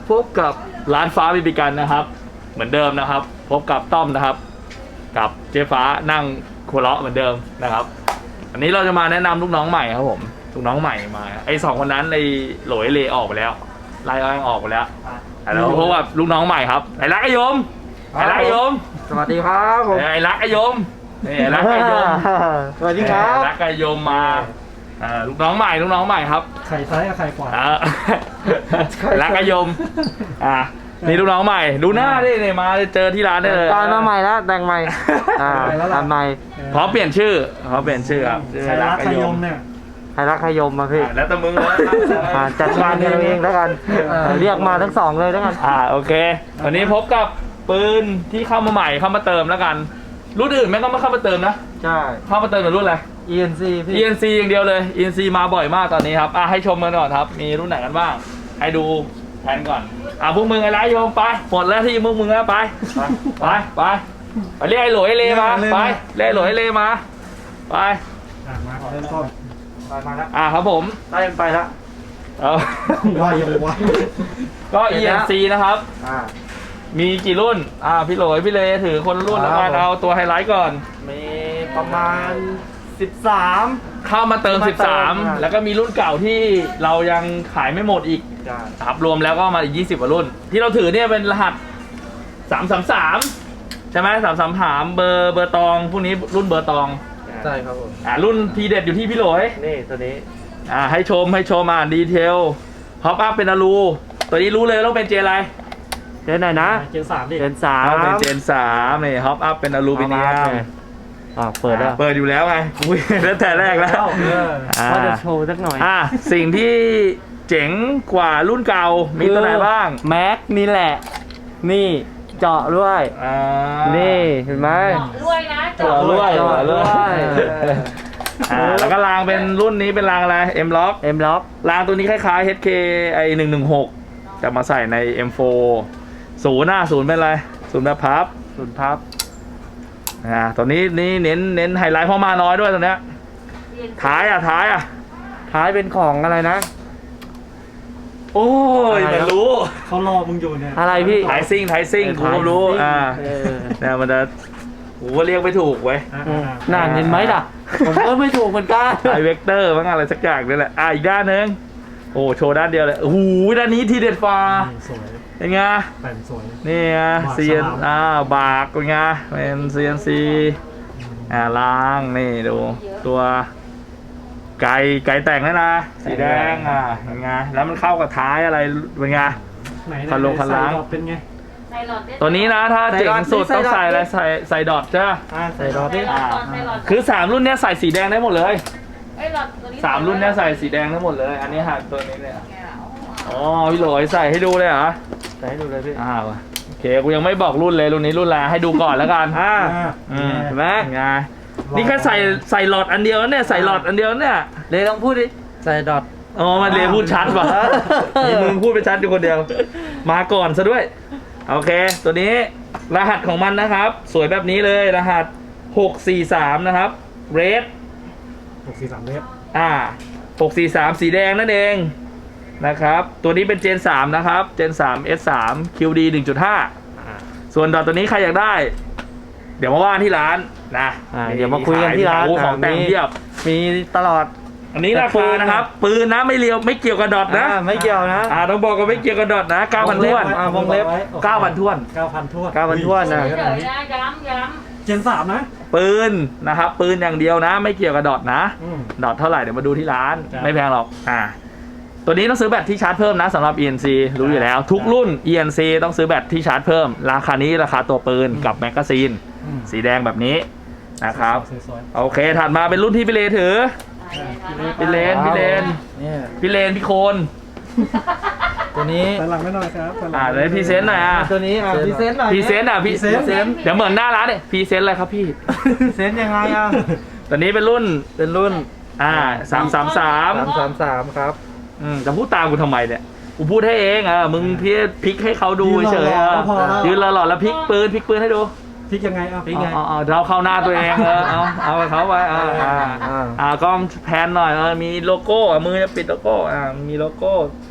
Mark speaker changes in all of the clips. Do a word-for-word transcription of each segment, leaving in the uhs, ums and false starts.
Speaker 1: พบกับร้านฟ้าบีบีกันนะครับเหมือนเดิมนะครับพบกับต้อมนะครับกับเจ๊ฟ้านั่งหัวเราะเหมือนเดิมนะครับอันนี้เราจะมาแนะนำลูกน้องใหม่ครับผมลูกน้องใหม่มาไอ้สองคนนั้นไอ้โหลยเลออกไปแล้วไล่อ้างออกไปแล้วแล้วพบกับลูกน้องใหม่ครับไอ้รักไอ้ยมไอ้รักไอ้ยม
Speaker 2: สวัสดีครับผม
Speaker 1: ไอ้รักไอ้ยมนี่ไอ้รักไอ้ยม
Speaker 2: สวัสดีครับ
Speaker 1: รักไอ้ยมมาลูกน้องใหม่ลูกน้องใหม่ครับ
Speaker 3: ไข่ซ้ายกับไข่ขวา
Speaker 1: รักไอ้ยมอ่านี่ลูกน้องใหม่ดูหน้าดิเนี่ยมาเจอที่ร้านได้เลย
Speaker 2: ตายมาใหม่แล้วแต่งใหม่อ่าทำใหม่
Speaker 1: พร้อมเปลี่ยนชื่อพร้อมเปลี่ยนชื่อครับ
Speaker 3: ไข่รักไข่ยมเนี่ย
Speaker 2: ใครรักใครยมมาพี่
Speaker 1: แล้วแต่มึงเลย
Speaker 2: อ่าจัดการกันเอาเองแล้วกันเรียกมาทั้งสองเลยแล้วกัน
Speaker 1: อ่าโอเควันนี้พบกับปืนที่เข้ามาใหม่เข้ามาเติมแล้วกันรุ่นอื่นแม่งก็ไม่เข้ามาเติมนะ
Speaker 2: ใช่
Speaker 1: เข้ามาเติมเป็นรุ่นอะไร
Speaker 2: อี เอ็น ซี พี่
Speaker 1: อี เอ็น ซี อย่างเดียวเลย อี เอ็น ซี มาบ่อยมากตอนนี้ครับอ่ะให้ชมกันก่อนครับมีรุ่นไหนกันบ้างให้ดูแผนก่อนอ่ะพวกมึงไอ้ไรโยมไปหมดแล้วที่พวกมึงแล้วไปไปไปไปเรียกไอ้โหลยเลมาไปเรียกไอ้โหลยเลมาไป
Speaker 3: อ่ะมาเริ่มต้น
Speaker 2: ไปมาแล้ว
Speaker 1: อ่ะครับผม
Speaker 2: ได้ไปแล้ว
Speaker 1: เอา
Speaker 3: ว่ายังวะ
Speaker 1: ก็ อี เอ็น ซี นะครับ
Speaker 2: อ่า
Speaker 1: มีกี่รุ่นอ่าพี่โหลยพี่เลถือคนละรุ่นแล้วกันเอาตัวไฮไลท์ก่อน
Speaker 2: มีประมาณสิบสาม
Speaker 1: เข้ามาเติม
Speaker 2: มาเติม
Speaker 1: สิบสาม
Speaker 2: อ่ะ
Speaker 1: แล้วก็มีรุ่นเก่าที่เรายังขายไม่หมดอีก
Speaker 2: ใช่
Speaker 1: ครับรวมแล้วก็มาอีกยี่สิบกว่ารุ่น ที่เราถือเนี่ยเป็นรหัสสามสามสามใช่ไหมสามสามสามเบอร์เบอร์ตองพวกนี้รุ่นเบอร์ตอง
Speaker 2: ใช่ครับผม
Speaker 1: อ่ารุ่นทีเด็ดอยู่ที่พี่โหลย
Speaker 2: นี่ตัวนี้
Speaker 1: อ่าให้ชมให้ชมอ่านดีเทลฮอปอัพเป็นอลูตัวนี้รู้เลยว่าต้องเป็นเจอะไร
Speaker 2: เจนไหนนะ
Speaker 3: เจนสามดิ
Speaker 2: เจนสาม
Speaker 1: ต้องเป็นเจนสามนี่ฮอปอัพเป็นอลูมิเนียม
Speaker 2: อ่าเปิดแล้ว
Speaker 1: เปิดอยู่แล้วไงอุ้ยตั้งแต่แรกแล้ว
Speaker 3: เออ
Speaker 1: อ่า
Speaker 2: ว่าจะโชว์สักหน่อย
Speaker 1: อ่ะสิ่งที่เจ๋งกว่ารุ่นเก่ามีตัวไหนบ้าง
Speaker 2: แม็กนี่แหละ นี่เจาะด้วย
Speaker 1: อ่า
Speaker 2: นี่เห็นไหม
Speaker 4: เจาะรวยนะ
Speaker 1: เจาะรวย
Speaker 2: เจาะรวย
Speaker 1: อ่าแล้วก็รางเป็นรุ่นนี้เป็นรางอะไร M Lock
Speaker 2: เอ็มล็อก
Speaker 1: รางตัวนี้คล้ายๆ เอช เค ไอหนึ่งหนึ่งหกจะมาใส่ใน เอ็ม โฟร์ ศูนย์หน้าศูนย์เป็นอะไรศูนย์แบบพับ
Speaker 2: ศูนย์พับ
Speaker 1: อ่าตัวนี้นี่เน้นเน้นไฮไลท์เพราะมาน้อยด้วยตัวเนี้ยท้ายอ่ะท้ายอ่ะ
Speaker 2: ท้ายเป็นของอะไรนะ
Speaker 1: โอ้ย
Speaker 2: อะไร
Speaker 1: มัน
Speaker 2: นะ
Speaker 1: รู้
Speaker 3: เขารอมึงอยู่เนี่ย
Speaker 2: อะไรพี่
Speaker 1: ไทซิ่งไทซิ่งกูก็รู้อ่า
Speaker 2: เออ
Speaker 1: เนี่ยมันจะกูก็เรียกไม่ถูกเว้ย
Speaker 3: อ่ะ
Speaker 2: อืม
Speaker 3: อ่ะ
Speaker 2: น่าเห็นไหมล่ะ ผมก็ไม่ถูกเหมือนกัน
Speaker 1: ไอเวกเตอร์บ้างอะไรสักอย่างนี่แหละอ่ะอีกด้านหนึงโอ้โชว์ด้านเดียวเลยโอ้โหด้านนี้ทีเด็ดฟ้า
Speaker 3: นี่สวย
Speaker 1: เป็นไง
Speaker 3: แต่งสวย
Speaker 1: นี่ไง
Speaker 3: บาก
Speaker 1: เซียน
Speaker 3: ฉลาม
Speaker 1: อ่าบากเป็นไงเป็นเซียนซีอ่าล้างนี่ดูตัวไก่ไก่แต่งแล้วนะสีแดงอ่ะเป็นไงแล้วมันเข้ากับท้ายอะไรเป็นไง
Speaker 3: ไหน
Speaker 1: พันลงพันล้าง
Speaker 3: ใส่ดอกเป็นไง
Speaker 4: ใส่หลอดได้
Speaker 1: ตัวนี้นะถ้า
Speaker 2: ใส่
Speaker 1: เจ๋ง
Speaker 2: ดอท
Speaker 1: สุด
Speaker 2: ใส่
Speaker 1: ต้อง
Speaker 2: ดอท
Speaker 1: ใส่อะไรใส่ใส่ดอทใช่ไหม
Speaker 2: อ่าใส่ดอท
Speaker 4: ใส่
Speaker 2: ดิ
Speaker 4: หลอดก่อนใส่หลอด
Speaker 1: คือสามรุ่นเนี้ยใส่สีแดงได้หมดเลย
Speaker 4: ไอ้หลอดตัวนี้
Speaker 1: สามรุ่นเนี้ยใส่สีแดงได้หมดเลย อันนี้หักตัวนี้เนี่ย
Speaker 4: แกะเอา
Speaker 1: อ๋อพี่โหลยใส่ให้ดูเลยเหรอ
Speaker 2: ใส่ให้ดูเลยพี่
Speaker 1: อ้าวโอเคกูยังไม่บอกรุ่นเลยรุ่นนี้รุ่นอะไรให้ดูก่อนแล้วกัน
Speaker 2: อ่า
Speaker 3: อ่ะ
Speaker 1: อืม
Speaker 2: เห็นไหม
Speaker 1: ไงนี่แค่ใส่ใส่หลอดอันเดียวเนี่ยใส่หลอดอันเดียวเนี่ย
Speaker 2: เลยลองพูดดิ ใส่ดอท
Speaker 1: อ๋อมันเลยพูดชัดว่ะมีมึงพูดไปชัดอยู่คนเดียว มาก่อนซะด้วยโอเค ตัวนี้รหัสของมันนะครับ สวยแบบนี้เลยรหัสหกสี่สามนะครับ red
Speaker 3: หกสี่สามเมตร
Speaker 1: อ่าหกสี่สามสีแดงนั่นเองนะครับตัวนี้เป็นเจนสามนะครับเจนสาม เอส สาม คิว ดี หนึ่งจุดห้า ส่วนดอทตัวนี้ใครอยากได้ เดี๋ยวมาว่าที่ร้านนะ
Speaker 2: อ่าเดี๋ยวมาคุยกันที่ร้าน
Speaker 1: มีของแต่ง
Speaker 2: มี
Speaker 1: เทียบ
Speaker 2: มีตลอด
Speaker 1: อันนี้ราคานะครับ ปืนนะไม่เลียวไม่เกี่ยวกับดอทนะ
Speaker 2: อ่าไม่เกี่ยวนะ
Speaker 1: อ่าต้องบอกว่าไม่เกี่ยวกับดอทนะเก้าพันท้วน
Speaker 2: อ่าวงเล็บ
Speaker 1: เก้าพันท้วน
Speaker 3: เก้าพันท้วน
Speaker 2: เก้าพันถ้วนนะ
Speaker 4: เฉยๆนะย้ำย้
Speaker 3: เจนสามนะ
Speaker 1: ปืนนะครับปืนอย่างเดียวนะ ไม่เกี่ยวกับดอทนะ
Speaker 3: อืม
Speaker 1: ดอทเท่าไหร่เดี๋ยวมาดูที่ร้าน
Speaker 3: ครับ
Speaker 1: ไม่แพงหรอกอ่าตัวนี้ต้องซื้อแบตที่ชาร์จเพิ่มนะสำหรับ อี เอ็น ซี รู้อยู่แล้ว ทุกรุ่น อี เอ็น ซี ต้องซื้อแบตที่ชาร์จเพิ่ม ราคานี้ราคาตัวปืนกับแมกกาซีน
Speaker 3: อืม
Speaker 1: สีแดงแบบนี้นะครับ
Speaker 3: สวย
Speaker 1: โอเคถัดมาเป็นรุ่นที่พี่เลถือ
Speaker 4: ำ
Speaker 1: พี่เลนพี่เลน
Speaker 2: เนี่ย
Speaker 1: พี่เลนพี่โคน
Speaker 2: ตัวนี้
Speaker 3: ๆแต่หลังไม่หน่อยครับแต่หลัง
Speaker 1: อ่าเลยพรีเซนต์หน่อยอ่ะ
Speaker 2: ตัวนี้อ่ะพรีเซนต์หน่อย
Speaker 1: พรีเซนต์อ่ะพี่
Speaker 3: พรีเซนต์
Speaker 1: เดี๋ยวเหมือนหน้าร้านเนี่ยพรีเซนต์อะไรครับพี่
Speaker 2: พรีเซนต์ยังไงอ่ะ
Speaker 1: ตัวนี้เป็นรุ่น
Speaker 2: เป็นรุ่น
Speaker 1: อ่าสามสามสาม
Speaker 2: สามสามสามครับ
Speaker 1: อืมจะพูดตามกูทำไมเนี่ยกูพูดให้เองเออมึงพี่พลิกให้เขาดูเฉยๆเออ
Speaker 3: พอแล้ว
Speaker 1: ยืนหล่อๆแล้วพลิกปืนพลิกปืนให้ดู
Speaker 3: พลิกยังไงอ่ะ
Speaker 2: พลิกไง
Speaker 1: เอาเอาเอาเราเข้าหน้าตัวเองเออเอาเอาไปเขาไปอ่าอ่า
Speaker 2: อ่า
Speaker 1: อ่ากล้องแพนหน่อยเออมีโลโก้อ่ะมือจะปิดโลโก้อ่ามีโลโก้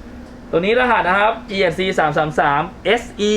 Speaker 1: ตัวนี้รหัสนะครับ อี เอส ซี สามสามสาม เอส อี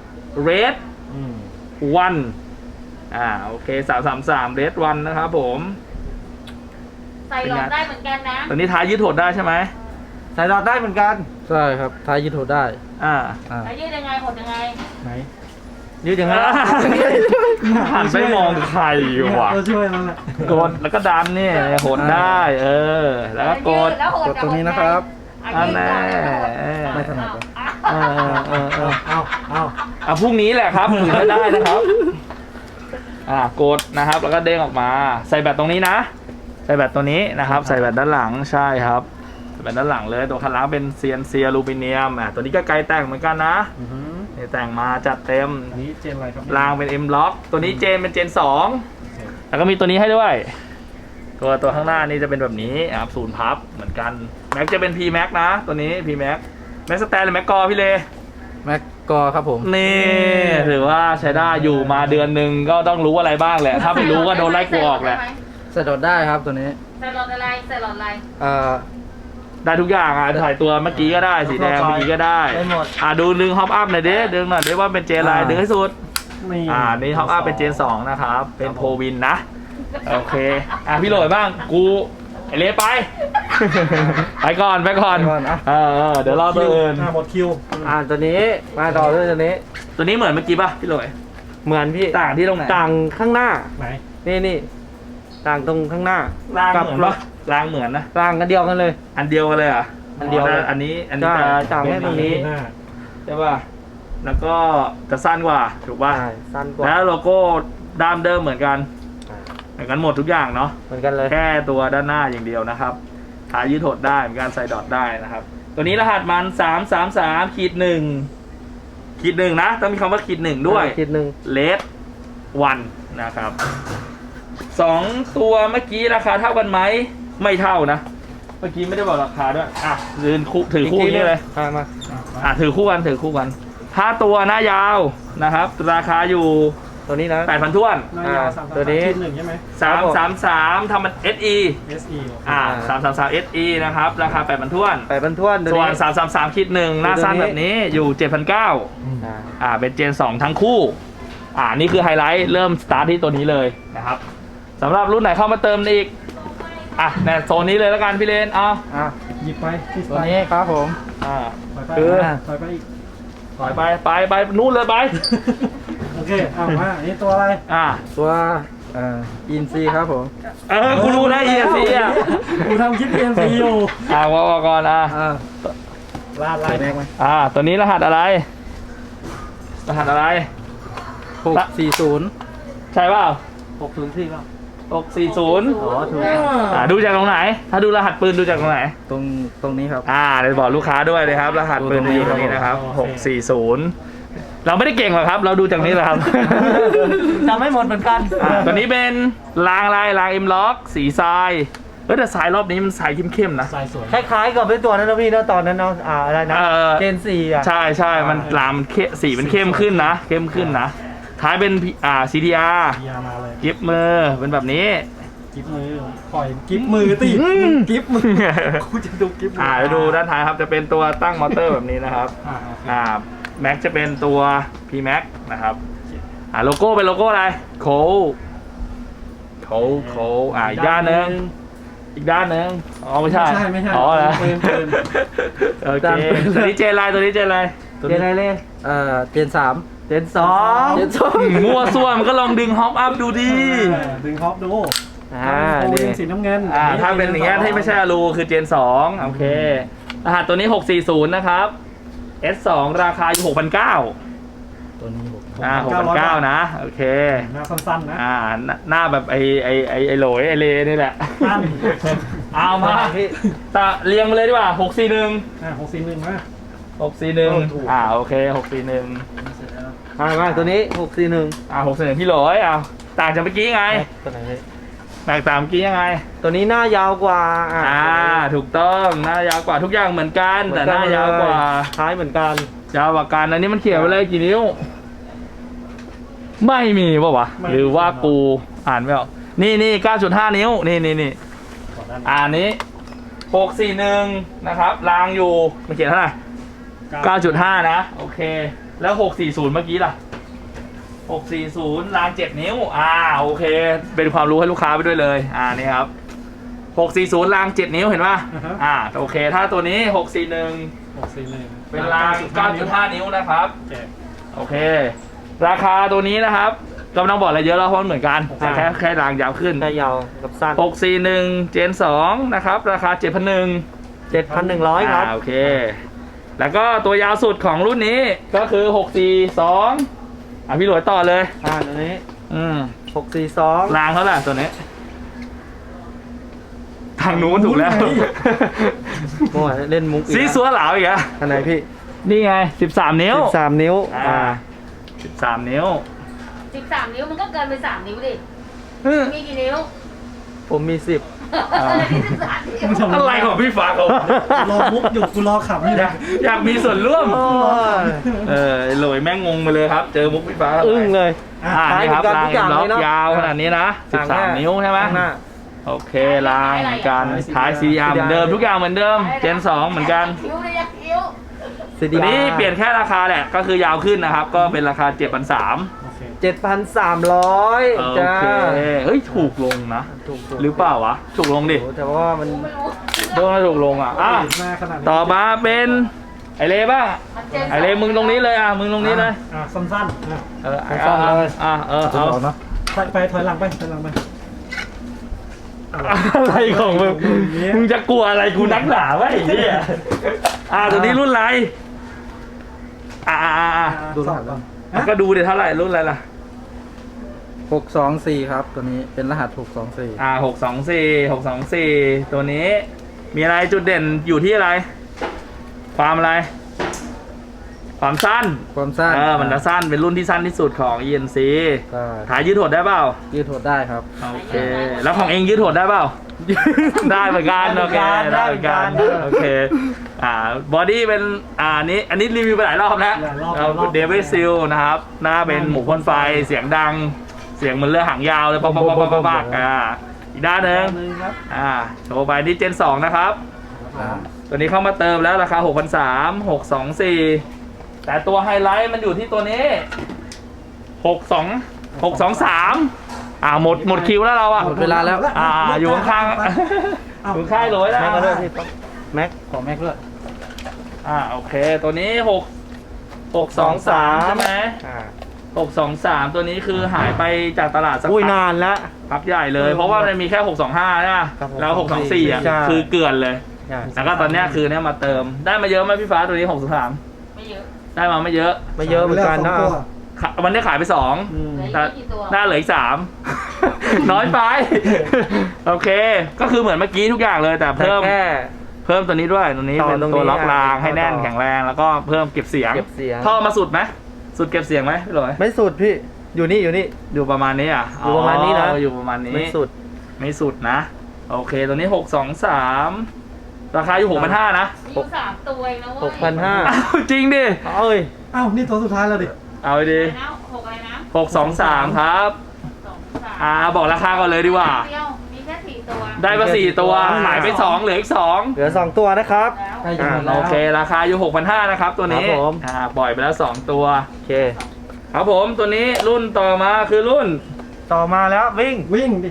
Speaker 1: Red
Speaker 3: อืม
Speaker 1: one อ่าโอเคสามสามสาม Red one นะครับผม
Speaker 4: ใส่หลอดได้เหมือนกันนะ
Speaker 1: ตัวนี้ท้ายยืดหดได้ใช่ไหม
Speaker 2: ใส่หลอดได้เหมือนกัน ใช่ครับท้ายยืดโถได้
Speaker 1: อ่า
Speaker 2: อ่า
Speaker 4: แล้วยืดยังไงหดยังไง
Speaker 3: ไหน
Speaker 2: ยืดอย่างนั้น
Speaker 1: หันไปมองใครวะ
Speaker 3: เราช่วยนั่นแหละ
Speaker 1: กดแล้วก็ดันนี่หดได้ เออ แล้วก็กด
Speaker 4: แล้วห
Speaker 2: กดตรงนี้นะครับ
Speaker 4: อ่ะยืดก่อน
Speaker 1: อันแน่
Speaker 2: ไม่ถนัดเลย
Speaker 4: อ่ะ
Speaker 1: เออเออเออ
Speaker 3: เอาเอา
Speaker 1: อ่ะพรุ่งนี้แหละครับถึงจะได้นะครับ อ่ากดนะครับ แล้วก็เด้งออกมา ใส่แบตตรงนี้นะ ใส่แบตตัวนี้นะครับ ใส่แบตด้านหลังใช่ครับใส่แบตด้านหลังเลยตัวคันล้างเป็น ซี เอ็น ซี อลูมิเนียมอ่ะตัวนี้ก็ไกลแต่งเหมือนกันนะ
Speaker 3: อือหือ
Speaker 1: นี่แต่งมาจัดเต็ม
Speaker 3: อันนี้เจนอะไรครับ
Speaker 1: รางเป็น M Lock ตัวนี้เจนเป็นเจนสอง
Speaker 3: โอเค
Speaker 1: แล้วก็มีตัวนี้ให้ด้วย ตัวตัวข้างหน้านี่จะเป็นแบบนี้ครับศูนย์พับเหมือนกันแม็กจะเป็น P Max นะ ตัวนี้ P Max แม็กสแตนหรือแม็กกอพี่เล
Speaker 2: แม็กกอครับผม
Speaker 1: นี่ถือว่าใช้ได้อยู่มาเดือนหนึ่งก็ต้องรู้อะไรบ้างแหละ ถ้าไม่รู้ก็โดนไล่กูออกแหละ
Speaker 2: ใส่หลอดได้ครับตัวนี้
Speaker 4: ใส่หลอดอะไรใส่หลอดอะไร
Speaker 2: เอ่อ
Speaker 1: ได้ทุกอย่างอ่ะถ่ายตัวเมื่อกี้ก็ได้สีแดงเมื่อกี้ก็ได้
Speaker 2: ได้หมด
Speaker 1: อ่ะดูดึงฮอปอัพหน่อยเด้ดึงหน่อยเด้ว่าเป็นเจนอะไร
Speaker 2: อ่า
Speaker 1: ดึงให้สุด
Speaker 3: นี่
Speaker 1: อ่านี่ฮอปอัพเป็นเจนสองนะครับเป็นโพวินนะโอเคอ่ะพี่โหลยบ้างกูไอเละไป ไปก่อนไปก่อน
Speaker 2: ไปก่อนอ่ะ
Speaker 1: เออเออเดี๋ยวรอตัวอื่น
Speaker 3: อ่าหมดคิว
Speaker 2: อ่าตัวนี้มาต่อด้วยตัวนี้
Speaker 1: ตัวนี้เหมือนเมื่อกี้ป่ะพี่โหลย
Speaker 2: เหมือนพี่
Speaker 1: ต่างที่ตรงไหน
Speaker 2: ต่างข้างหน้า
Speaker 3: ไหน
Speaker 2: นี่นี่ต่างตรงข้างหน้าร
Speaker 1: าง
Speaker 2: กับ
Speaker 1: เหมือนป่ะรางเหมือนนะ
Speaker 2: ต่างกันเดียวกันเลย
Speaker 1: อันเดียวกันเลยเหรอ่ะ
Speaker 2: อันเดียวเลย
Speaker 1: อันนี้อันนี้
Speaker 2: ใช่
Speaker 1: จะ
Speaker 2: ต่างแค่ตรงนี้
Speaker 3: หน้า
Speaker 1: ใช่ป่ะแล้วก็จะสั้นกว่าถูกป่ะ
Speaker 2: ใช่สั้นกว่า
Speaker 1: แล้วโลโก้ด้ามเดิมเหมือนกันเหมือนกันหมดทุกอย่างเนาะ
Speaker 2: เหมือนกันเลย
Speaker 1: แค่ตัวด้านหน้าอย่างเดียวนะครับขายืดหดได้มีการใส่ดอทได้นะครับ ตัวนี้รหัสมันสามสามสามขีดหนึ่งขีดหนึ่งนะ ต้องมีคำว่าขีดหนึ่งด้วย
Speaker 2: คิดหนึ่ง
Speaker 1: เลสวันนะครับสองตัวเมื่อกี้ราคาเท่ากันไหมไม่เท่านะ เมื่อกี้ไม่ได้บอกราคาด้วยอ่ะถือคู่ถือคู่นี้เลย
Speaker 2: อ่ะมา
Speaker 3: อ่ะไป
Speaker 1: อ่ะถือคู่กันถือคู่กันถ้าตัวหน้ายาวนะครับ ราคาอยู่
Speaker 2: ตัวนี้นะ
Speaker 1: แปดพันท้วน
Speaker 3: หน้ายาว
Speaker 2: อ่า
Speaker 3: สามสาม
Speaker 2: ตัวนี้
Speaker 3: สามหนึ่งใช่ไหม
Speaker 1: สามสามสามทำมัน เอส อี
Speaker 3: เอส อี
Speaker 1: อ่าสามสามสาม เอส อี นะครับ ราคาแปดพันท้วน
Speaker 2: แปดพันท้วนตัว
Speaker 1: ส่วน
Speaker 2: นี้
Speaker 1: สามสามสามคิดหนึ่งหน้าสั้น
Speaker 2: ตัวนี้
Speaker 1: แบบนี้อยู่ เจ็ดพันเก้าร้อย
Speaker 2: อ่า
Speaker 1: อ่า เป็นเจนสองทั้งคู่ อ่า นี่คือไฮไลท์ เริ่มสตาร์ทที่ตัวนี้เลยนะครับสำหรับรุ่นไหนเข้ามาเติมอีก อ่ะเนี่ยโซนนี้เลยแล้วกันพี่เลน เอา
Speaker 2: อ่ะ
Speaker 3: หยิบไปที่ส
Speaker 2: ตัว
Speaker 3: ไตล์
Speaker 2: นี้ครับผม
Speaker 1: อ่า
Speaker 3: ไปไป
Speaker 1: คือ
Speaker 3: ไปไปอีก
Speaker 1: ถอยไป ไปไปนู่นเลยไป
Speaker 3: โอเคเอามาอันนี้ตัวอะไร
Speaker 1: อ่า
Speaker 2: ตัวเอ่ออินซีครับผม
Speaker 1: เออคุณรู้นะ อี เอส ซี อ่ะ
Speaker 3: กูทำคลิป เอ็ม ซี อยู่
Speaker 1: อ่าว่าก่อนอ่ะ
Speaker 2: อ่า
Speaker 3: ลาดลายแม็กไหม
Speaker 1: อ่า ตัวนี้รหัสอะไร รหัสอะไร
Speaker 2: หกสี่ศูนย์
Speaker 1: ใช่เปล่า
Speaker 2: หกศูนย์สี่ครับ
Speaker 1: หกสี่ศูนย์
Speaker 2: อ๋อถูก
Speaker 1: อ่า ดูจากตรงไหน ถ้าดูรหัสปืนดูจากตรงไหน
Speaker 2: ตรงตรงนี้ครับ
Speaker 1: อ่าเดี๋ยวบอกลูกค้าด้วยเลยครับ รหัสปืนจะอยู่ตรงนี้นะครับหกสี่ศูนย์เราไม่ได้เก่งหรอกครับ เราดูจากนี้แหละครับ
Speaker 2: จำไม่หมดเหมือนกัน
Speaker 1: อ่าตัวนี้เป็นรางลายรางเอ็มล็อกสีทรายเออแต่ทรายรอบนี้มันทรายเข้มๆนะ
Speaker 3: สายสวย
Speaker 2: คล้ายๆกับเป็นตัวนั้นนะพี่นะตอนนั้นเนาะอ่าอะไรนะ
Speaker 1: เออ
Speaker 2: เจนสี่อ่ะ
Speaker 1: ใช่ใช่มันรางมันเข้มสีมันเข้มขึ้นนะ เข้มขึ้นนะ ท้ายเป็นอ่า ซี ที อาร์
Speaker 3: ยามาเลย
Speaker 1: กิฟมือเป็นแบบนี้
Speaker 3: กิฟมือปล่อยกิฟมือติกิฟมือกูจะดูกิฟมื
Speaker 1: อ่าเดี๋ยวดูด้านท้ายครับจะเป็นตัวตั้งมอเตอร์แบบนี้นะครับ
Speaker 3: อ่าโอเค
Speaker 1: อ่าแม็กจะเป็นตัว P Max นะครับอ่าโลโก้เป็นโลโก้อะไรโคโคโคอ่าอีกด้านหนึงอีกด้านหนึงอ๋อไม่ใช่
Speaker 3: ไม่ใช่ไม่ใช่
Speaker 1: อ๋อเหรอ
Speaker 3: ปืนปืน
Speaker 1: โอเคตัวนี้เจนไลน์ตัวนี้เจนไลน์
Speaker 2: เจนอะไรเลยเอ่อเจนสามเจนสอง
Speaker 3: เจนสอง
Speaker 1: มั่วซั่วมันก็ลองดึงฮอปอัพดูดิ
Speaker 3: เออดึงฮอปดู
Speaker 2: อ่า
Speaker 3: โอ้
Speaker 2: นี่
Speaker 3: ยสีน้ำเงิน
Speaker 1: อ่าถ้าเป็นอย่างเงี้ยที่ไม่ใช่อลูคือเจนสองโอเครหัสตัวนี้หกสี่ศูนย์นะครับ เอส สอง ราคาอยู่หกพันเก้า
Speaker 2: ตัวนี้หก
Speaker 1: อ่าหกพันเก้านะโอเค
Speaker 3: หน้าสั้นๆนะ
Speaker 1: อ่าหน้าหน้าแบบไอไอไอไอโหลยไอเลนี่แหละ
Speaker 3: สั้น
Speaker 1: เอามาตะเรียงมาเลยดีกว่าหกสี่หนึ่ง
Speaker 3: อ่าหกสี่หนึ่งมา
Speaker 1: หกสี่หนึ่ง
Speaker 3: โอ้ถูก
Speaker 1: อ่าโอเคหกสี่หนึ่ง
Speaker 2: อ่ามาตัวนี้หกสี่หนึ่ง
Speaker 1: อ่าหกสี่หนึ่งพี่โหลยอ่าต่างจากเมื่อกี้ไง
Speaker 2: ตัวไหนพี่
Speaker 1: แตกต่างเมื่อกี้ยังไง
Speaker 2: ตัวนี้หน้ายาวกว่า
Speaker 1: อ่าถูกต้องหน้ายาวกว่าทุกอย่างเหมือนกันแต่หน้ายาวกว่า
Speaker 2: คล้ายเหมือนกัน
Speaker 1: ยาวกว่ากันอันนี้มันเขียนไว้เลยกี่นิ้ว ไม่มีป่าวะหรือว่ากูอ่านไม่ออกนี่นี่เก้าจุดห้านิ้วนี่นี่นี่
Speaker 3: ขอด้าน
Speaker 1: อ่านนี้หกสี่หนึ่งนะครับรางอยู่มันเขียนเท่าไหร่เก้าจุดห้า นะ โอเค แล้ว หกสี่ศูนย์ เมื่อกี้ล่ะ หกสี่ศูนย์ รางเจ็ดนิ้ว อ่า โอเค เป็นความรู้ให้ลูกค้าไปด้วยเลย อ่า นี่ครับ หกสี่ศูนย์ รางเจ็ดนิ้ว เห็นป่ะ อ่า โอเค ถ้าตัวนี้ หกสี่หนึ่ง
Speaker 3: หกสี่หนึ่ง
Speaker 1: เป็นราง เก้าจุดห้า นิ้วนะครับ
Speaker 3: แจก
Speaker 1: โอเค ราคาตัวนี้นะครับก็ไม่ต้องบอกอะไรเยอะแล้วเพราะมันเหมือนกันแต่แค่แค่รางยาวขึ้น
Speaker 2: แค่ยาวกับสั้น
Speaker 1: หกสี่หนึ่ง เจนสองนะครับ ราคา เจ็ดพันหนึ่ง
Speaker 2: เจ็ดพันหนึ่งร้อยครับ
Speaker 1: โอเค แล้วก็ตัวยาวสุดของรุ่นนี้ก็คือ หกสี่สอง อ่ะพี่หลวยต่อเลย
Speaker 2: อ่าตัวนี้
Speaker 1: อืม
Speaker 2: หกสี่สอง
Speaker 1: รางเท่าไหร่ตัวนี้ ทางนู้นถูกแล้ว
Speaker 2: โอ้ยเล่นมุกอีก
Speaker 1: ซีซัวเหลาอีกอะ
Speaker 2: อันไหนพี่
Speaker 1: นี่ไง สิบสาม นิ้ว
Speaker 2: สิบสามนิ้ว
Speaker 1: อ่า
Speaker 2: อ่า
Speaker 1: สิบสาม นิ้ว
Speaker 4: สิบสามนิ้วมันก็เกินไปสามนิ้วดิ มีกี่นิ้ว
Speaker 2: ผมมีสิบ
Speaker 1: อ่า
Speaker 4: นี่สิบสามนิ้ว
Speaker 1: อะไรของพี่ฟ้าเขา
Speaker 3: รอมุกอยู่กูรอขับอยู่
Speaker 1: อยา
Speaker 3: นะ
Speaker 1: กอยากมีส่วนร่วม
Speaker 2: โอ้ย
Speaker 1: เออโหลยแม่งงงไปเลยครับ เจอมุกพี่ฟ้าเข้าไป
Speaker 2: อึ้งเลย
Speaker 1: อ่านี่ครับ
Speaker 2: ท้าย
Speaker 1: ราง
Speaker 2: เหมือนกัน
Speaker 1: ล็อก
Speaker 2: ทุกอย่างเลยเนอะ
Speaker 1: ยาวขนาดนี้นะสิบสามนิ้วใช่ไหม
Speaker 2: ข้างหน้า
Speaker 1: โอเครางเหมือนกันท้าย ซี อาร์ เหมือนเดิมทุกอย่างเหมือนเดิมเจนสองเหมือนกัน
Speaker 4: คิ้วเลยยักษ์คิ้ว
Speaker 2: ซี
Speaker 1: ตัวนี้เปลี่ยนแค่ราคาแหละก็คือยาวขึ้นนะครับ ก็เป็นราคา เจ็ดพันสามร้อย
Speaker 3: โอเค
Speaker 2: เจ็ดพันสามร้อย
Speaker 1: โอ
Speaker 2: จ้า
Speaker 1: เคเฮ้ยถูกลงนะ
Speaker 2: ถูกๆ
Speaker 1: หรือเปล่าวะถูกลงดิ
Speaker 2: โอ้แต่ว่ามัน
Speaker 4: ไม่รู้
Speaker 1: โดนถูกลงอ่ะอ่ะ
Speaker 3: หน้าขนาดนี้
Speaker 1: ต่อมาเป็นไอเล่บ้าง
Speaker 4: มันเจน
Speaker 1: ไอเล่มึงตรงนี้เลยอ่ะมึงตรงนี้เลย
Speaker 3: อ่ะสั้นๆอ่ะ
Speaker 1: เอออ่ะอ่ะเออเอา
Speaker 3: ไปไปถอยหลังไปถอยหลังไป
Speaker 1: อะไรของมึง มึงจะกลัวอะไรกูนักหนาวะไอ้เหี้ยอ่าตัวนี้รุ่นอะไร อ่าอ่าอ่า
Speaker 3: ดูหลังก่อน
Speaker 1: อ่ะก็ดูเดี๋ยวเท่าไหร่รุ่นอะไรล่ะ
Speaker 2: หกสองสี่ครับ ตัวนี้เป็นรหัสหกสองสี่
Speaker 1: อ่าหกสองสี่หกสองสี่ตัวนี้ มีอะไรจุดเด่นอยู่ที่อะไร ความอะไร ความสั้น
Speaker 2: ความสั้น
Speaker 1: เออ มันจะสั้น เป็นรุ่นที่สั้นที่สุดของ อี เอ็น ซี
Speaker 2: ก็
Speaker 1: ถ่ายยืดหดได้เปล่า
Speaker 2: ยืดหดได้ครับ
Speaker 1: โอเค แล้วของเองยืดหดได้เปล่า ได้เหมือนกันโอเคได้เหมือนกันโอเคอ่าบอดี้เป็นอ่านี้อันนี้รีวิวไปหลายรอบแล้วเราเดวิดซิลนะครับหน้าเป็นหมูพ่นไฟเสียงดังเสียงเหมือนเรือหางยาวเลยปักปักปักปักปักอ่าอีกด้านหนึ่งอ่าโชว์ไปที่เจนสองนะครับตัวนี้เข้ามาเติมแล้วราคา หกพันสามร้อย หกสองสี่ แต่ตัวไฮไลท์มันอยู่ที่ตัวนี้หกสอง หกสองสามอ่าหมดหมดคิวแล้วเราอ่ะ
Speaker 2: หมดเวลาแล้ว
Speaker 1: อ่าอยู่ข้างๆอยู่ข้างโหลยแล้ว
Speaker 2: แม็กก็ด้วยพี่ป๊อปแม็กขอแม็กด้วย
Speaker 1: อ่าโอเคตัวนี้หกหกสองสามใช่ไหม
Speaker 2: อ่า
Speaker 1: หกสองสามตัวนี้คือหายไปจากตลาดสัก
Speaker 2: อุ้ย
Speaker 1: พัก
Speaker 2: นานแล้ว
Speaker 1: พักใหญ่เลย เพราะว่ามันมีแค่หกสองห้าใช่ไหม
Speaker 2: ครับผม
Speaker 1: แล้วหกสองสี่อ่ะ
Speaker 2: ใช่
Speaker 1: คือเกลื่อนเลย
Speaker 2: ใช่
Speaker 1: แล้วก็ตอนเนี้ยคือเนี้ยมาเติมได้มาเยอะไหมพี่ฟ้าตัวนี้หกสองสาม
Speaker 4: ไม่เยอะ
Speaker 1: ได้มาไม่เยอะ
Speaker 2: ไม่เยอะเหมือนกันนะ
Speaker 1: ขะวันนี้ขายไปสอง
Speaker 2: อืม
Speaker 4: เหลือ
Speaker 1: แต่
Speaker 4: อีกกี่ตัว
Speaker 1: หน้าเหลืออีกสาม น้อยไป โอเค ก็คือเหมือนเมื่อกี้ทุกอย่างเลย แต่
Speaker 2: แต่
Speaker 1: เพิ่ม
Speaker 2: แค่
Speaker 1: เพิ่มตัวนี้ด้วยตัวนี้
Speaker 2: ต่อ
Speaker 1: เป็น
Speaker 2: ตรง
Speaker 1: ตัว
Speaker 2: นี้
Speaker 1: ล็อกราง
Speaker 2: อ่ะ
Speaker 1: ให้แน่น
Speaker 2: ต่อ
Speaker 1: แข็งแรงแล้วก็เพิ่มเก็บเสียง
Speaker 2: เก็บเสียง
Speaker 1: ท่อมาสุดไหมสุดเก็บเสียงไหมพี่หลอย
Speaker 2: ไม่สุดพี่ อยู่นี่อยู่นี่
Speaker 1: อยู่ประมาณนี้อ่ะ
Speaker 2: อยู่ประมาณนี้นะ
Speaker 1: อยู่ประมาณนี้
Speaker 2: ไม่สุด
Speaker 1: ไม่สุดนะ โอเคตัวนี้หกสองสามราคาอยู่หกพันห้านะ
Speaker 4: มีอยู่สามตัวเองนะเว้ย
Speaker 2: หกพันห้า
Speaker 1: อ้าวจริงดิ
Speaker 2: เอ้ย
Speaker 3: อ้าวนี่ตัวสุดท้ายแล้วดิ
Speaker 1: เอาไปดิ
Speaker 4: อะไรนะหกอะไรนะ
Speaker 1: หกสองสามครับ
Speaker 4: สองสาม
Speaker 1: อ่าบอกราคาก่อนเลยดีกว่า
Speaker 4: เดียวมีแค่สี่ตัว
Speaker 1: ได้มาสี่ตัว
Speaker 2: อ่า
Speaker 1: หายไปสองเหลืออีกสอง
Speaker 2: เหลือสองตัวนะครับ
Speaker 4: แล้ว
Speaker 3: ใกล้จะหมด
Speaker 1: อ่า
Speaker 3: แล้ว
Speaker 1: โอเค ราคาอยู่ หกพันห้าร้อย นะครับตัวนี้
Speaker 2: ครับผม
Speaker 1: อ่าปล่อยไปแล้วสองตัว
Speaker 2: โอเค
Speaker 1: ครับผมตัวนี้รุ่นต่อมาคือรุ่น
Speaker 2: ต่อมาแล้ววิ่ง
Speaker 3: วิ่งดิ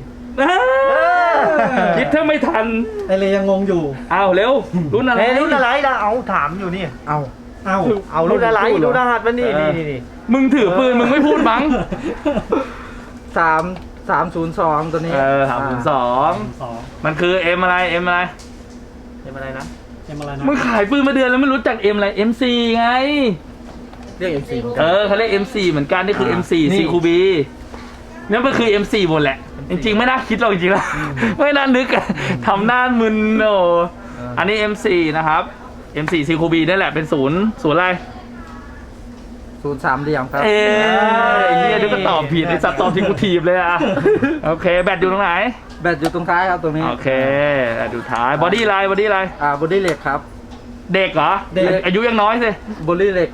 Speaker 1: คิดถ้าไม่ทัน
Speaker 3: ไอเลยังงงอยู่
Speaker 1: เอาเร็ว รุ่นอะไร
Speaker 2: เฮ้ยรุ่นอะไรล่ะเอาถามอยู่นี่ เอา
Speaker 3: เอ้า
Speaker 2: เอารุ่นอะไรดูรหัสมันนี่
Speaker 1: เออ
Speaker 2: นี่นี่นี่
Speaker 1: มึงถือปืนมึงไม่พูดมั้ง
Speaker 2: สามสามศูนย์สองตัวนี้
Speaker 1: เออสามศูนย์สอง
Speaker 3: สอง
Speaker 1: มันคือ M อะไร M อะไร
Speaker 2: เป็นอะไรนะ
Speaker 3: เอ็มอะไรนะ
Speaker 1: มึงขายปืนมาเดือนแล้วไม่รู้จัก M อะไร เอ็ม ซี ไง
Speaker 2: เรียกเอ็มซี
Speaker 1: เออเขาเรียก เอ็ม ซี เหมือนกันนี่คือ เอ็ม ซี
Speaker 2: นี่
Speaker 1: ซีคูบีนั่นมันคือ เอ็ม ซี หมดแหละ จริงๆไม่น่าคิดหรอกจริงๆแล้วไม่น่านึกอะทำหน้ามึนโอ้อันนี้ เอ็ม ซี นะครับ เอ็ม ซี ซีคูบีนั่นแหละเป็นศูนย์ศูนย์อะไร
Speaker 2: ศูนย์สามเหลี่ยมครับ
Speaker 1: เอ้ยเฮียเดี๋ยวก็ตอบผิดไอ้สัตว์ตอบที่กูทีบเลยอะโอเค แบตอยู่ตรงไหน
Speaker 2: แบตอยู่ตรงท้ายครับตรงนี้
Speaker 1: โอเคแบตอยู่ท้ายบอดี้ไลน์บอดี้ไลน์
Speaker 2: อ่าบอดี้เหล็กครับ
Speaker 1: เด็กเหรอ
Speaker 2: เด็ก
Speaker 1: อายุยังน้อยสิ
Speaker 2: บอดี้เหล็ก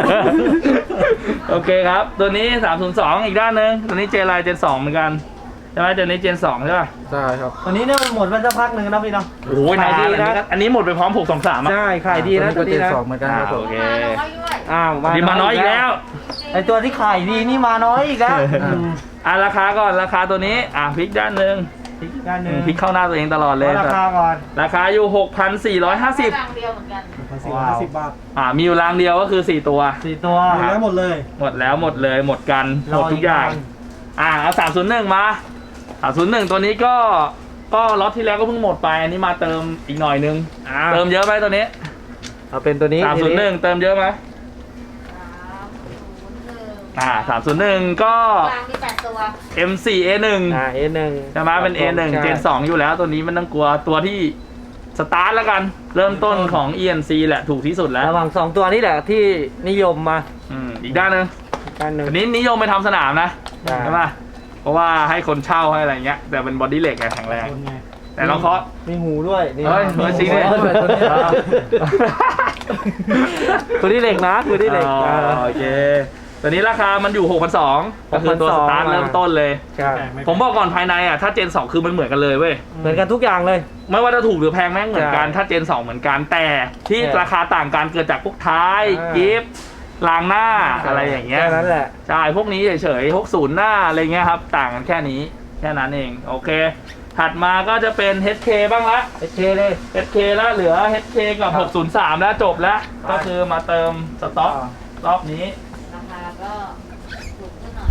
Speaker 1: โอเคครับ ตัวนี้ สามศูนย์สอง อีกด้านหนึ่งตัวนี้เจไลน์เจนสองเหมือนกันใช่ไหมตัวนี้เจนสองใช่ป่ะ
Speaker 2: ใช่ครับตัวนี้เนี่ยมันหมดมาสักพักหนึ่งนะพี่เนาะ
Speaker 1: โอ้ย
Speaker 2: ขายดีนะ
Speaker 1: อันนี้หมดไปพร้อมหกสองสามอ่ะ
Speaker 2: ใช่ขายดีนะตัวนี้นะเหมือนกันครับผม
Speaker 1: โอเค
Speaker 4: มาน้อยด้วย
Speaker 2: อ้าว
Speaker 1: ดีมาน้อยอีกแล้ว
Speaker 2: ไอตัวที่ขายดีนี่มาน้อยอีกแล้ว
Speaker 1: อ่ะราคาก่อนราคาตัวนี้อ่ะพลิกด้านหนึ่ง
Speaker 2: อีกด้านหนึ่ง
Speaker 1: พลิกเข้าหน้าตัวเองตลอดเลย
Speaker 2: ราคาก่อน
Speaker 1: ราคาอยู่ หกพันสี่ร้อยห้าสิบ
Speaker 4: รางเดียวเหมือนกัน
Speaker 3: พันสี่ร้อยห้าสิบบาท
Speaker 1: อ่ามีอยู่รางเดียวก็คือสี่ตัว
Speaker 2: สี่ตัว
Speaker 3: หมดแล้วหมดเลย
Speaker 1: หมดแล้วหมดเลยหมดกันหมดทุกอย่าง อ่าเอาสามศูนย์หนึ่งมาสามศูนย์หนึ่งตัวนี้ก็ก็ล็อตที่แล้วก็เพิ่งหมดไปอันนี้มาเติมอีกหน่อยนึง
Speaker 2: อ่า
Speaker 1: เติมเยอะไหมตัวนี้
Speaker 2: เอาเป็นตัวนี้
Speaker 1: สามศูนย์หนึ่งเติมเยอะไหม
Speaker 4: สามศูนย์หนึ่ง
Speaker 1: อ่าสามศูนย์หนึ่งก็
Speaker 4: รางมีแปดตัว
Speaker 1: เอ็ม โฟร์ เอ หนึ่ง
Speaker 2: อ่า เอ หนึ่ง
Speaker 1: ใช่ไหมเป็น เอ หนึ่ง เจนสองอยู่แล้วตัวนี้มันต้องกลัวตัวที่สตาร์ทแล้วกัน เริ่มต้นของ อี เอ็น ซี แหละถูกที่สุดแล้ว
Speaker 2: ระหว่างสองตัวนี้แหละที่นิยมมา
Speaker 1: อืมอีกด้านหนึง
Speaker 2: ด้านหนึ่ง
Speaker 1: อันนี้นิยมไปทำสนามนะ
Speaker 2: อ่า
Speaker 1: ใช่ปะเพราะว่าให้คนเช่าให้อะไรเงี้ยแต่เป็นบอดี้เหล็กไงแข็งแรง
Speaker 3: คนไง
Speaker 1: แต่ลองเคาะ
Speaker 2: มีหูด้วยนี่
Speaker 1: เฮ้ยเฮ้ยจริงดิ
Speaker 2: ตัวนี้ตัวนี้เหล็กนะตัวนี้เหล็ก
Speaker 1: อ๋อ
Speaker 2: อ่า
Speaker 1: โอเคตัวนี้ราคามันอยู่ หกพันสองร้อย ก็คือตัวสตาร์ท
Speaker 2: หกพันสองร้อย
Speaker 1: เริ่มต้นเลย
Speaker 2: ใช่
Speaker 3: แพงไห
Speaker 1: ผมบอกก่อนภายในอ่ะถ้าเจนสองคือมันเหมือนกันเลยเว้ย
Speaker 2: เหมือนกันทุกอย่างเลย
Speaker 1: ไม่ว่าจะถูกหรือแพงแม่งเหมือนกัน
Speaker 2: ใช่
Speaker 1: ถ้าเจนสองเหมือนกันแต่ที่
Speaker 2: ใช่
Speaker 1: ราคาต่างกันเกิดจากพวกท้าย
Speaker 2: อ่า
Speaker 1: กิฟต์รางหน้าอะไรอย่างเงี้ย
Speaker 2: แค่นั้นแหละ
Speaker 1: ใช่พวกนี้เฉยๆพวกศูนย์หน้าอะไรเงี้ยครับต่างกันแค่นี้แค่นั้นเองโอเค ถัดมาก็จะเป็น เอช เค บ้างละ
Speaker 2: เอชเคเลย
Speaker 1: เอช เค แล้วเหลือ เอช เค กับ หกศูนย์สาม แล้วจบแล้ว ก็คือมาเติมสต็อกรอบนี้
Speaker 4: ราคาก็ถูกขึ้นหน่อย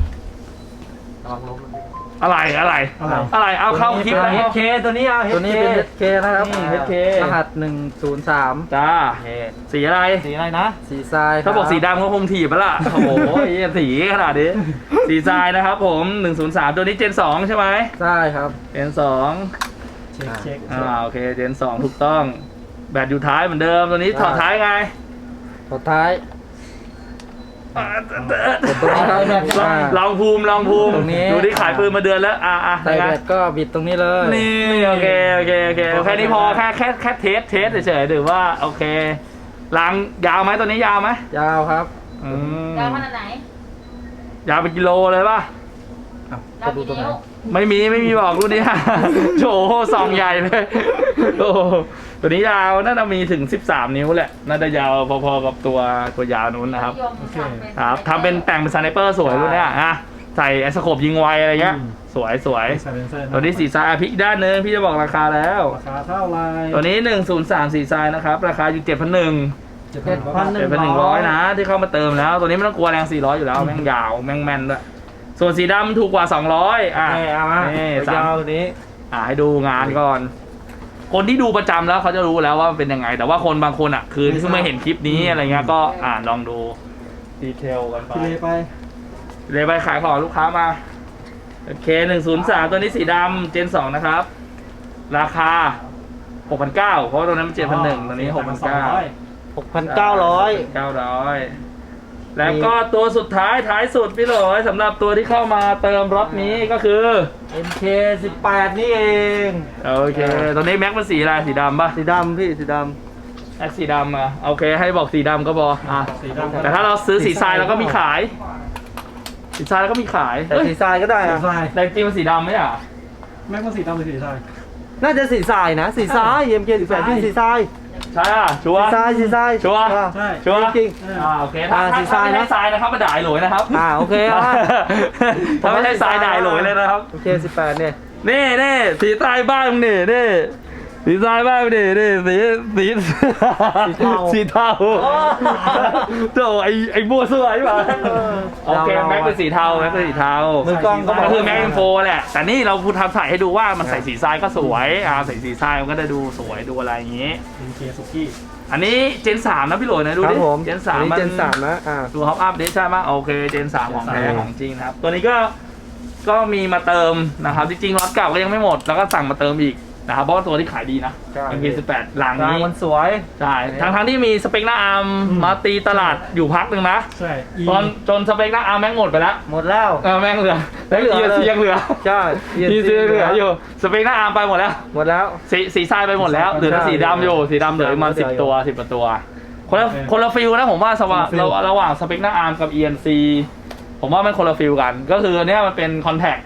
Speaker 1: อะไรอะไร
Speaker 3: อะไร
Speaker 1: อะไรเอาเข้าคลิป
Speaker 2: ตัว
Speaker 1: แล้ว
Speaker 2: นี้เป็น เอช เค ตัวนี้เอา
Speaker 5: ตัวนี้เป็น เอช เค นะครับ
Speaker 1: นี่ เอช เค
Speaker 5: รหัสหนึ่งศูนย์สาม
Speaker 1: จ้าสีอะไร
Speaker 2: สีอะไรนะ
Speaker 5: สีทราย
Speaker 1: ถ้าบอกสีดำก็คงถีบไปละโอ้โหเหี้ยสีขนาดนี้ สีทรายนะครับผม หนึ่งศูนย์สาม ตัวนี้เจนสองใช่ไหม
Speaker 5: ใช่ครับ
Speaker 1: เจนสอง
Speaker 3: เช็คเช็ค
Speaker 1: อ่าโอเคเจนสองถูกต้อง แบตอยู่ท้ายเหมือนเดิมตัวนี้ถอดท้ายไง
Speaker 5: สุดท้าย
Speaker 1: อ่า
Speaker 5: ตรงนี้ครับ
Speaker 1: ลอง
Speaker 5: อ่า
Speaker 1: ลองภูมิลองภูมิ
Speaker 5: ตรงนี้
Speaker 1: ดูที่ขายปืนมาเดือนแล้วอ่าอ่า
Speaker 5: ใส่แบตก็บิดตรงนี้เลย
Speaker 1: นี่โอเคโอเคโอเคแค่นี้พอแค่แค่แค่เทสเทสเฉยๆหรือว่าโอเคล้างยาวไหมตัวนี้ยาวไหม
Speaker 5: ยาวครับ
Speaker 1: อืม
Speaker 4: ยาวขนาดไหน
Speaker 1: ยาวเป็นกิโลเลยป่ะ
Speaker 4: ยาวกี่นิ้ว
Speaker 1: ไม่มีไม่มีบอกรุ่นนี้ โอ้โหซองใหญ่เลยโอ้โหตัวนี้ยาวน่าจะมีถึงสิบสามนิ้วแหละน่าจะยาวพอๆกับตัวตัวยาวนู้นนะครับ
Speaker 4: นิยมทำเป็น
Speaker 1: ครับทำเป็นแต่งเป็นสไนเปอร์สวยรุ่นเนี้ยอ่ะใส่ไอสโคปยิงไวอะไรเงี้ยสวยสวย
Speaker 3: ไซเลนเซอร์
Speaker 1: ตัวนี้สีทรายอ่ะพลิกด้านหนึงพี่จะบอกราคาแล้ว
Speaker 3: ราคาเท่าไหร
Speaker 1: ตัวนี้หนึ่งศูนย์สามสีทรายนะครับราคาอยู่เจ็ดพันหนึ่ง
Speaker 3: เจ็ดพัน
Speaker 1: เจ็ดพันหนึ่งร้อยนะที่เข้ามาเติมแล้ว ตัวนี้ไม่ต้องกลัวแรงสี่ร้อยอยู่แล้วแม่งยาวแม่งแม่นด้วยส่วนสีดำถูกกว่าสองร้อยอ่ะ
Speaker 2: นี่เอามา
Speaker 1: นี่สาม
Speaker 2: ยาวตัวนี้
Speaker 1: อ่ะให้ดูงานก่อน คนที่ดูประจำแล้วเขาจะรู้แล้วว่ามันเป็นยังไง แต่ว่าคนบางคนอ่ะ คือที่เพิ่งมาเห็นคลิปนี้อะไรเงี้ยก็อ่านลองดูดีเทลกันไป
Speaker 3: พี่เลไป
Speaker 1: เลยไปขายของลูกค้ามาโอเคหนึ่งศูนย์สามตัวนี้สีดำเจนสองนะครับ ราคาหกพันเก้าเพราะว่าตัวนั้นมันเจ็ดพันหนึ่งตัวนี้หกพันเก้า
Speaker 2: หกพันเก้าร้อย
Speaker 1: เก้าร้อยแล้วก็ตัวสุดท้ายท้ายสุดพี่หลอยสำหรับตัวที่เข้ามาเติมรถนี้ก็คือ
Speaker 2: เอ็ม เค สิบแปดนี่เอง
Speaker 1: โอเคตัวนี้แม็กมันสีอะไรสีดำป่ะ
Speaker 5: สีดำพี่ สีด
Speaker 1: แม็กสีดำอ่ะโอเคให้บอกสีดำก็พออ่ะ
Speaker 3: สีดำ
Speaker 1: แต่ถ้าเราซื้อสีทรายเราก็มีขาย สีทรายเราก็มีขาย
Speaker 2: แต่
Speaker 1: เอ้ย
Speaker 2: สีทรายก็ได้
Speaker 3: สี
Speaker 2: อะ
Speaker 3: ทราย
Speaker 1: แต่จริงๆมันสีดำไหมอ่ะ
Speaker 3: แม็กมันสีดำหรือสีทราย
Speaker 2: น่าจะสีทรายนะ สีทราย เอ็ม เค สิบแปดที่สีทราย
Speaker 1: ใช่อ่ะชัว
Speaker 2: สี
Speaker 1: ร์
Speaker 2: ทรายสีทราย
Speaker 1: ชัวร์
Speaker 3: ใช่
Speaker 1: ชัวร์
Speaker 2: จริง
Speaker 3: เออ
Speaker 1: อ่าโอเคถ้า
Speaker 2: อ่า
Speaker 1: ถ้า
Speaker 2: สีทราย
Speaker 1: ถ้าไม่
Speaker 2: นะ
Speaker 1: ใช่ทรายนะครับมาด่าไอ้หลวยนะครับ
Speaker 2: อ่าโอเคเอามา
Speaker 1: ถ้าไม่ใช่ทรายด่าไอ้หลวยเลยนะครับ
Speaker 2: เอ็ม เค สิบแปดเนี่ย
Speaker 1: นี่นี่สีทรายบ้านมึงนี่นี่สีทรายบ้านมึงนี่นี่สีสีสีเทาโถ่ไอไอบัวสวยป่ะโอเคแม็กเป็นสีเทาแม็กเป็นสีเทา
Speaker 2: มือกล้องก็
Speaker 1: ก็คือแม็กอินโฟแหละแต่นี่เราพูดทำใส่ให้ดูว่ามันใส่สีทรายก็สวยอ่าใส่สีทรายมันก็จะดูสวยดูอะไรอย่างงี้
Speaker 3: เอ็มเคสุกี้
Speaker 1: อันนี้เจนสามนะพี่หลวยนะดู
Speaker 2: ครั
Speaker 1: ดิ
Speaker 2: บผม
Speaker 1: เจนสาม
Speaker 2: อันนี้
Speaker 1: มัน
Speaker 2: เจนสามนะอ่า
Speaker 1: ดูฮอปอัพดิใช่ไหมโอเคเจนสามของแท้ของจริงนะครับ ตัวนี้ก็ก็มีมาเติมนะครับจริงๆรถเก่าก็ยังไม่หมดแล้วก็สั่งมาเติมอีกนะครับเพราะว่าตัวที่ขายดีนะ
Speaker 2: ใช่
Speaker 1: เอ็ม พี สิบแปดหลัง
Speaker 2: ราง
Speaker 1: นี้
Speaker 2: มันสวย
Speaker 1: ใช่ทั้งทั้งๆที่มีสเปคหน้าอาร์มมาตีตลาดอยู่พักหนึ่งนะ
Speaker 3: ใช่อี
Speaker 1: ตอนจนสเปคหน้าอาร์มแม่งหมดไปแล้ว
Speaker 2: หมดแล้ว
Speaker 1: เออแม่งเหลือแล้ว
Speaker 2: เหลือ
Speaker 1: เอีย
Speaker 2: เลย
Speaker 1: ซียังเหลือ
Speaker 2: ใช่
Speaker 1: อีซีเหลืออยู่สเปคหน้าอาร์มไปหมดแล้ว
Speaker 2: หมดแล้ว
Speaker 1: สีสีทรายไปหมดแล้วเหลือแต่สีดำอยู่สีดำเหลือประมาณสิบตัวสิบกว่าตัวคนละคนละฟิลนะผมว่าสว่างระระหว่างสเปคหน้าอาร์มกับ อี เอ็น ซี ผมว่ามันคนละฟิลกัน ก็คืออันเนี้ยมันเป็นคอนแทค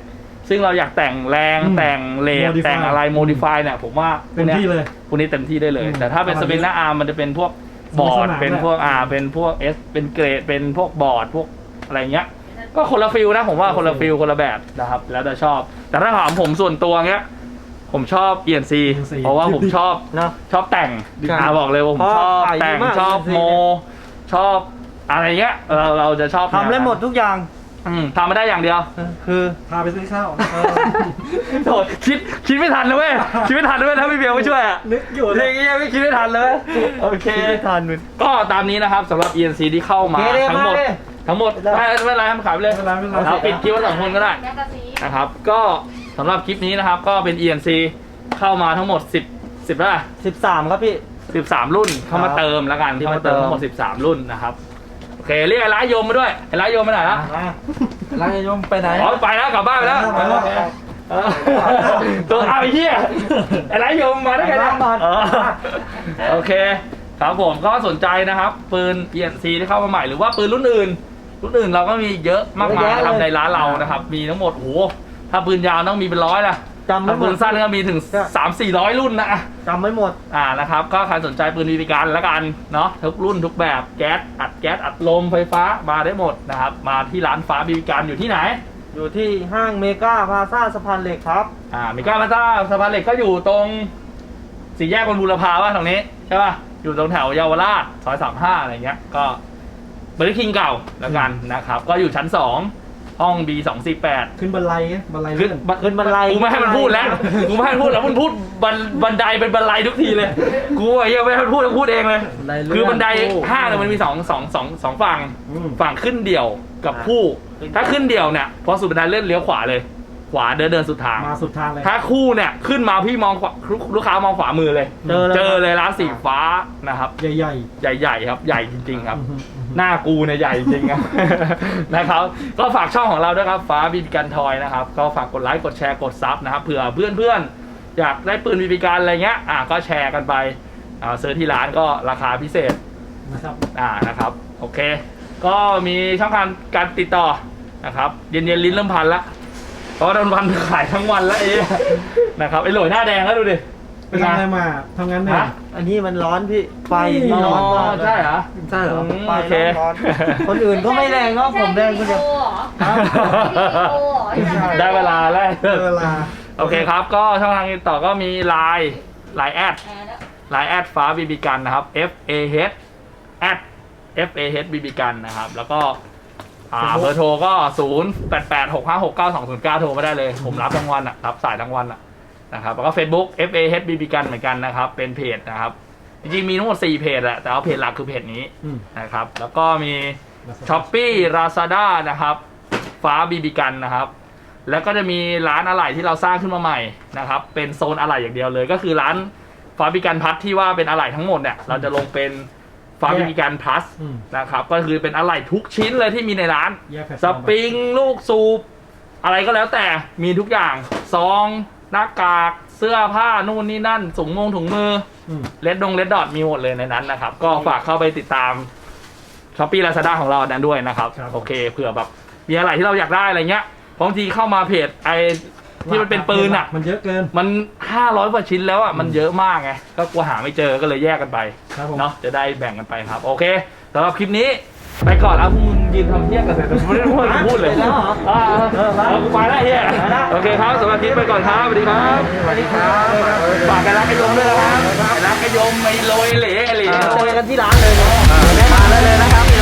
Speaker 1: ซึ่งเราอยากแต่งแรง
Speaker 3: อืม
Speaker 1: แต่งเลท
Speaker 3: Modify
Speaker 1: แต่งอะไรโมดิฟายเนี่ยผมว่าพว
Speaker 3: เต็
Speaker 1: ก
Speaker 3: ม
Speaker 1: เนี้ย
Speaker 3: ที่เลย
Speaker 1: พวกนี้เต็มที่ได้เลย
Speaker 3: อืม
Speaker 1: แต่ถ้าเป็นสปินหน้าอาร์มมันจะเป็นพวกบอร์ด
Speaker 3: สนาม
Speaker 1: เป็นพวก
Speaker 3: แหละ
Speaker 1: อ่าเป็นพวกเอสเป็นเกรดเป็นพวกบอร์ดพวกอะไรเงี้ย ก็คนละฟิลนะผมว่าคนละฟิลคนละแบบนะครับแล้วแต่ชอบ แต่ถ้าถามผมส่วนตัวเงี้ยผมชอบ อี เอ็น ซี
Speaker 3: อี เอ็น ซี
Speaker 1: เพราะว่าผมชอบ
Speaker 2: เนาะ
Speaker 1: ชอบแต่ง
Speaker 2: ครับ
Speaker 1: อ่าบอกเลยว่าผม
Speaker 2: เพราะ
Speaker 1: ชอบ
Speaker 2: ขายดี
Speaker 1: แต่ง
Speaker 2: มาก
Speaker 1: ชอบ
Speaker 2: อี เอ็น ซี
Speaker 1: โม ชอบอะไรเงี้ยเราเราจะชอบ
Speaker 2: ทำได้หมดทุกอย่าง
Speaker 1: อืมทำไม่ได้อย่างเดียว
Speaker 2: คือ
Speaker 3: พาไปซื้อข้าว
Speaker 1: โถคิดคิดไม่ทันนะเว้ยคิดไม่ทันนะเว้ยถ้าพี่เบลไม่ช่วยอ่ะ
Speaker 3: นึกอยู่
Speaker 1: เรื่องนี้ไม่คิดไม่ทันเลยโอเค
Speaker 2: ไม่ทันมัน
Speaker 1: ก็ตามนี้นะครับสำหรับ อี เอ็น ซี ที่เข้ามา
Speaker 2: โอเคเลย
Speaker 1: ทั้งหมด
Speaker 2: มาเลย
Speaker 1: ทั้งหมดไม่ไม่เป็นไรให้มันขายไปเลย
Speaker 3: ไม่เป็นไรไม่เป็นไร
Speaker 1: เราปิดคลิปไว้สองคนก็ได้
Speaker 4: แมกกาซีน
Speaker 1: นะครับก็สำหรับคลิปนี้นะครับก็เป็น อี เอ็น ซี เข้ามาทั้งหมดสิบ สิบแล้ว
Speaker 2: สิบสามครับพี่
Speaker 1: สิบสามรุ่นเข้ามาเติมแล้วกันที่มาเติม
Speaker 2: เข้ามาเติม
Speaker 1: ทั้งหมดสิบสามรุ่นนะครับโอเคเรียกไอ้ร้ายโยมมาด้วยไอ้ร้ายโยมไปไหนละ
Speaker 5: แล้วจะยมไปไหน
Speaker 1: อ๋อไปแล้วกลับบ้านไปแล้ว
Speaker 3: ไปแล้ว
Speaker 1: เออตัวเอาไอ้เหี้ยไอ้ร้ายโยมมาได้ไง
Speaker 2: ไปล้างบอล
Speaker 1: เออโอเคครับผมก็สนใจนะครับปืน อี เอ็น ซี ที่เข้ามาใหม่หรือว่าปืนรุ่นอื่นรุ่นอื่นเราก็มีเยอะมากมายนะครับในร้านเรานะครับมีทั้งหมดโอ้โหถ้าปืนยาวต้องมีเป็นร้อยละ
Speaker 2: จำไม่
Speaker 1: ถ้า
Speaker 2: หม
Speaker 1: ปื
Speaker 2: ด
Speaker 1: นสั้นก็มีถึง สามสี่ร้อย รุ่นนะ
Speaker 2: จำไม่หมด
Speaker 1: อ่านะครับก็ใครสนใจปืนบีบีกันแล้วกันเนาะทุกรุ่นทุกแบบแก๊สอัดแก๊สอัดลมไฟฟ้ามาได้หมดนะครับมาที่ร้านฟ้าบีบีกันอยู่ที่ไหน
Speaker 2: อยู่ที่ห้างเมกาพลาซ่าสะพานเหล็กครับ
Speaker 1: อ่ามิก้ามาซ่าสะพานเหล็กก็อยู่ตรงสี่แยกบนบูรพาว่าตรงนี้ใช่ป่ะอยู่ตรงแถวเยาวราชซอยสามห้าอะไรเงี้ยก็เบอร์คิงเก่าแล้วกันนะครับก็อยู่ชั้นสองห้อง บี สองสี่แปด
Speaker 3: ขึ้นบันไลไงบันไล
Speaker 1: ขึ้น
Speaker 3: เลื่อน
Speaker 2: ขึ้นบันได
Speaker 1: กูไม่ให้มันพูดแล้ว กูไม่ให้มันพูดแล้วมันพูดบันบันไดเป็นบันไดทุกทีเลย กูอะยังไม่ให้มันพูดแล้วพูดเองเลย
Speaker 5: บันไดเลื่อน
Speaker 1: คือบันไดห้างเนี่ยมันมีสองสองสองสองฝั่ง
Speaker 3: อืม
Speaker 1: ฝั่งขึ้นเดี่ยวกับคู่ ถ้าขึ้นเดี่ยวเนี่ยพอสุดบันไดเลื่อนเลี้ยวขวาเลย ขวาเดินเดินสุดทาง
Speaker 3: มาสุดทางเลย
Speaker 1: ถ้าคู่เนี่ยขึ้นมาพี่มองขวาลูกค้ามองขวามือเลย
Speaker 2: เจอเลย
Speaker 1: เจอเลยร้านสีฟ้านะครับ
Speaker 3: ใหญ่
Speaker 1: ใหญ่ๆครับใหญ่จริงๆ
Speaker 3: ๆ
Speaker 1: ครับ
Speaker 3: อืมอืม
Speaker 1: หน้ากูเนี่ยใหญ่จริงครับ นะครับก็ฝากช่องของเราด้วยครับฟ้าบีบีกันทอยนะครับก็ฝากกดไลค์กดแชร์กดซับนะครับเผื่อเพื่อนๆอยากได้ปืนบีบีกันอะไรเงี้ยอ่ะก็แชร์กันไปอ่าซื้อที่ร้านก็ราคาพิเศษ
Speaker 3: นะครับ
Speaker 1: อ่านะครับโอเค ก็มีช่องทางการติดต่อนะครับเย็นๆลิ้นเริ่มพันละเพราะว่าโดนพันขายทั้งวันแล้วเอ๊ะนะครับไอ้โหลยหน้าแดงแล้วดูดิ
Speaker 3: ไปทำอะไรมาทำงานเหนื่อย
Speaker 1: ฮะ
Speaker 2: อันนี้มันร้อนพี่ ไฟ
Speaker 3: นี่
Speaker 2: ที่
Speaker 1: อ๋
Speaker 2: ร้อนมาก
Speaker 1: อใช่เหรอ
Speaker 5: ใช่เหรอ
Speaker 1: อืม
Speaker 2: ไฟ
Speaker 1: โอเค
Speaker 2: ร้อนๆคนอื่นก็ไม่แรงเนาะผมแรงคนเดียว
Speaker 4: ไม่ได้โอเหรอไม่ได้โอเหรอ
Speaker 1: ได้เวลาแล้ว
Speaker 3: เวลา
Speaker 1: โอเคครับ ก็ช่องทางติดต่อก็มี Line Line แอด
Speaker 4: แอร์แล้ว
Speaker 1: Line แอดฟ้าบีบีกันนะครับ F A H แอด F A H บีบีกันนะครับ แล้วก็อ่าเบอร์โทรก็ ศูนย์ แปด แปด หก ห้า หก เก้า สอง ศูนย์ เก้า โทรมาได้เลย ผมรับทั้งวันอ่ะรับสายทั้งวันอ่ะนะครับแล้วก็ Facebook F A H บี บี กันเหมือนกันนะครับ เป็นเพจนะครับ จริงๆมีทั้งหมดสี่เพจแหละแต่ว่าเพจหลักคือเพจนี้
Speaker 3: อืม
Speaker 1: นะครับ แล้วก็มี ช้อปปี้ราซาด้านะครับฟ้าบีบีกันนะครับแล้วก็จะมีร้านอะไหล่ที่เราสร้างขึ้นมาใหม่นะครับเป็นโซนอะไหล่อย่างเดียวเลย ก็คือร้านฟ้าบีบีกันพัทที่ว่าเป็นอะไหล่ทั้งหมดเนี่ยเราจะลงเป็นฟ้าบีบีกันพลัส
Speaker 3: อืม
Speaker 1: นะครับก็คือเป็นอะไหล่ทุกชิ้นเลยที่มีในร้าน
Speaker 3: แยกแพลตฟ
Speaker 1: ส
Speaker 3: อร์ม
Speaker 1: ปริงลูกสูบอะไรก็แล้วแต่มีทุกอย่างซองหน้ากากเสื้อผ้านู่นนี่นั่นถุงมงถุงมือ
Speaker 3: อืม
Speaker 1: เลดดงเลดดอทมีหมดเลยในนั้นนะครับก็ฝากเข้าไปติดตาม ช้อปปี้ลาซาด้าของเรานั้นด้วยนะครับ
Speaker 3: ครับ
Speaker 1: โอเคเผื่อแบบมีอะไรที่เราอยากได้อะไรเงี้ยบางทีเข้ามาเพจไอที่มันเป็นปืนอ่ะ
Speaker 3: มันเยอะเกิน
Speaker 1: มันห้าร้อยกว่าชิ้นแล้วอ่ะมันเยอะมากไงก็กลัวหาไม่เจอก็เลยแยกกันไป
Speaker 3: ครับผม
Speaker 1: เนาะจะได้แบ่งกันไปครับ โอเคสำหรับคลิปนี้ไปก่อนแล้วมึงยืนทำเที่ยงกันเสร็จแต่ไม่ได้พูดพูดเลย
Speaker 2: ไปแล้วเหรอ
Speaker 1: อ่าเอากูไปแล้วเฮียโอเคครับสำหรับคลิปไปก่อนครับสวัสดีครับ
Speaker 2: สวัสดีครับ
Speaker 1: ฝากกันรักกันยมด้วยนะครับรักกันยมไม่โรยเหล่เหล่
Speaker 2: เจอกันที่ร้านเลยเนาะได้มาได้เลยนะครับ